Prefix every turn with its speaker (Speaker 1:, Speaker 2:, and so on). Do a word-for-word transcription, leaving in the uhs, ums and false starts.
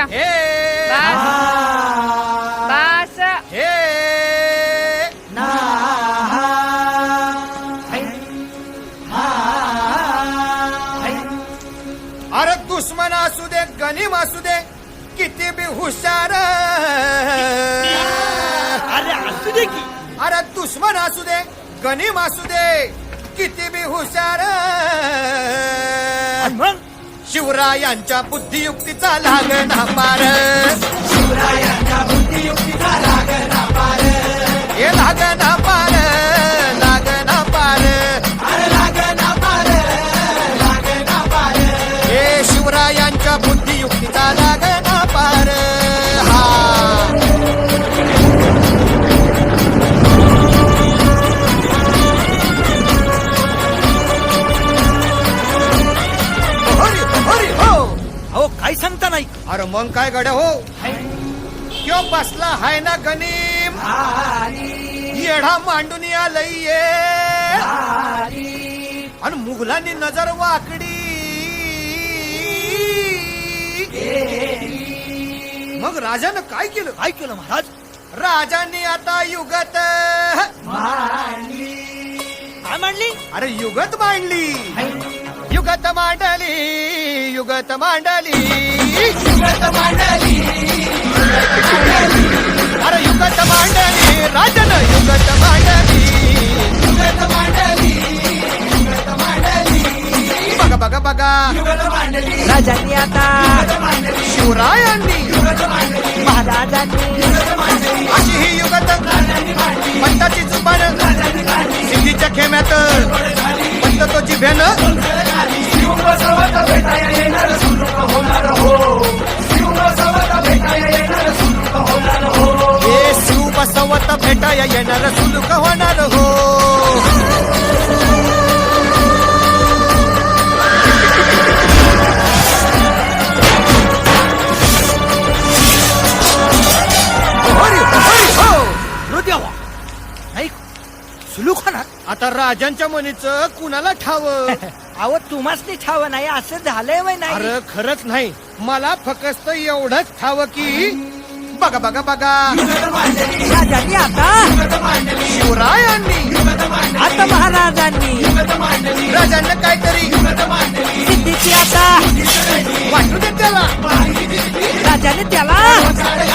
Speaker 1: द्या.
Speaker 2: हे
Speaker 1: बस बस.
Speaker 2: हे
Speaker 3: ना
Speaker 2: अरे दुश्मन असू दे गनीम असू दे किती बी हुशार
Speaker 3: अरे असू दे की
Speaker 2: अरे दुश्मन असू दे गनीम असू दे किती बी हुशार
Speaker 3: मग
Speaker 2: शिवरायांच्या बुद्धियुक्तीचा लागना पार
Speaker 3: शिवरायांच्या बुद्धियुक्तीचा लागना पार
Speaker 2: हे लागना पार लागना पार
Speaker 3: अरे लागना पार लागना पार
Speaker 2: हे शिवरायांच्या बुद्धियुक्तीचा लागना पार हा हरी हरी हो
Speaker 3: अहो काय सांगता नाही
Speaker 2: अरे मग काय गड्या हो क्यों बसला हाय ना गनीम येढा मांडून आलंय आणि मुघलांनी नजर वाकडी मग राजानं काय केलं
Speaker 3: काय केलं महाराज
Speaker 2: राजांनी आता युगत
Speaker 3: काय मांडली
Speaker 2: अरे युगत मांडली युगत मांडली युगत मांडली
Speaker 3: युगत मांडली
Speaker 2: अरे युगत मांडली राजानं युगत मांडली
Speaker 3: युगत मांडली युगत मांडली
Speaker 2: बघा बघा बघा
Speaker 3: युगत मांडली
Speaker 4: राजांनी आता
Speaker 3: युगत मांडली
Speaker 2: शिवरायांनी
Speaker 3: युगत मांडली
Speaker 4: महाराजांनी
Speaker 3: युगत मांडली
Speaker 2: अशी ही युगत
Speaker 3: राजांनी मांडली
Speaker 2: पंताची जुबान
Speaker 3: राजांनी मांडली
Speaker 2: सिद्धीच्या खेम्यात पंत तो जिभ्यानं
Speaker 3: शिवबसवत भेटाया येणार सुलूक होणार हो शिवबसवत भेटाया येणार सुलूक होणार हो
Speaker 2: हे शिव बसवत भेटाया येणार सुलूक होणार हो हरी हरी हो
Speaker 3: रो द्यावा नाही सुलूक होणार
Speaker 2: आता राजांच्या मनीचं कुणाला ठाव
Speaker 4: अहो तुम्हासनी ठाव नाही असं झालंय वय नाही
Speaker 2: अरे खरंच नाही मला फक्त एवढंच ठाव की बघा बघा बघा
Speaker 4: राजांनी आता
Speaker 2: शिवरायांनी
Speaker 4: आता महाराजांनी
Speaker 2: राजांना काहीतरी
Speaker 4: सिद्धीची आता
Speaker 2: वाटू दे त्याला
Speaker 4: राजाने त्याला